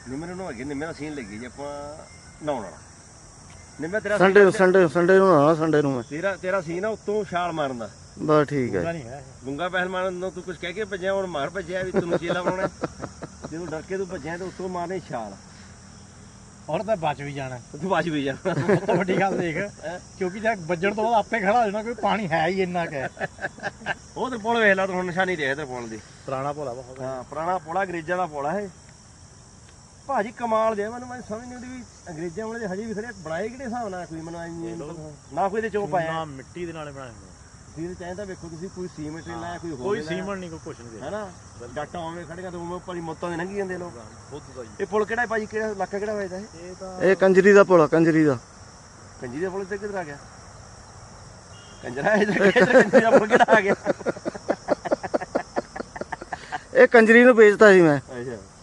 ਨਿੰਮੇ ਨੂੰ ਅੱਗੇ ਨਿੰਮੇ ਦਾ ਸੀਨ ਲੱਗੀ ਜੇ ਆਪਾਂ ਨਹਾਉਣ ਵਾਲਾ ਨਿੰਮੇ ਤੇਰਾ ਸੰਡੇ ਨੂੰ ਨਾ ਸੰਡੇ ਨੂੰ ਮੈਂ ਤੇਰਾ ਸੀਨ ਆ ਉੱਤੋਂ ਛਾਲ ਮਾਰਨ ਦਾ ਬਸ ਠੀਕ ਹੈ ਗੁੰਗਾ ਪਹਿਲਵਾਨ ਨੂੰ ਤੂੰ ਕੁਝ ਕਹਿ ਕੇ ਭੱਜਿਆ ਹੁਣ ਮਾਰ ਭੱਜਿਆ ਵੀ ਤੈਨੂੰ ਚੇਲਾ ਬਣਾਉਣਾ ਜਦੋਂ ਡਰ ਕੇ ਤੂੰ ਭੱਜਿਆ ਤੇ ਉੱਤੋਂ ਮਾਰਨੀ ਛਾਲ ਔਰ ਤਾਂ ਬਚ ਵੀ ਜਾਣਾ ਤੂੰ ਬਚ ਵੀ ਜਾਣਾ ਸਭ ਤੋਂ ਵੱਡੀ ਗੱਲ ਦੇਖ ਕਿਉਂਕਿ ਜੇ ਵੱਜਣ ਤੋਂ ਬਾਅਦ ਆਪੇ ਖੜਾ ਹੋ ਜਾਣਾ ਕੋਈ ਪਾਣੀ ਹੈ ਹੀ ਇੰਨਾ ਕਿ ਉਹ ਤੇ ਪੁਲ ਵੇਖ ਲਾ ਤੂੰ ਹੁਣ ਨਿਸ਼ਾਨੀ ਦੇਖ ਤੇ ਪੁਲ ਦੀ ਪੁਰਾਣਾ ਭੋਲਾ ਬਹੁਤ ਹਾਂ ਪੁਰਾਣਾ ਪੁਲਾ ਅੰਗਰੇਜ਼ਾਂ ਦਾ ਪੁਲਾ ਇਹ ਭਾਜੀ ਕਮਾਲ ਦੇ ਮੈਨੂੰ ਸਮਝ ਨਹੀਂ ਆਉਂਦੀ ਵੀ ਅੰਗਰੇਜ਼ਾਂ ਵਾਲੇ ਹਜੇ ਵੀ ਖੜੇ ਬਣਾਏ ਕਿਹੜੇ ਹਿਸਾਬ ਨਾਲ ਕੋਈ ਮੈਨੂੰ ਨਾ ਕੋਈ ਤੇ ਚੋਪ ਆਇਆ ਨਾ ਮਿੱਟੀ ਦੇ ਨਾਲੇ ਬਣਾਏ ਹੋਏ ਤੁਸੀਂ ਚਾਹੀਦਾ ਵੇਖੋ ਤੁਸੀਂ ਕੋਈ ਸੀਮੈਂਟ ਨਹੀਂ ਲਾਇਆ ਕੋਈ ਸੀਮੈਂਟ ਨਹੀਂ ਕੋਈ ਕੁਛ ਨਹੀਂ ਹੈਨਾ ਡਾਟਾ ਆਵੇਂ ਖੜੀਆਂ ਤੇ ਉਵੇਂ ਭਾਜੀ ਮੌਤਾਂ ਦੇ ਲੰਘੀ ਜਾਂਦੇ ਲੋਕ ਖੁਦ ਦਾ ਇਹ ਪੁਲ ਕਿਹੜਾ ਭਾਜੀ ਕਿਹੜਾ ਇਲਾਕਾ ਕਿਹੜਾ ਵੱਜਦਾ ਇਹ ਤਾਂ ਇਹ ਕੰਜਰੀ ਦਾ ਪੁਲ ਕੰਜਰੀ ਦਾ ਕੰਜੀ ਦੇ ਪੁਲ ਤੇ ਕਿੱਧਰ ਆ ਗਿਆ ਕੰਜਰਾ ਕੰਜੀ ਦਾ ਪੁਲ ਕਿਹੜਾ ਆ ਗਿਆ ਇਹ ਕੰਜਰੀ ਨੂੰ ਵੇਚਤਾ ਸੀ ਮੈਂ ਅੱਛਾ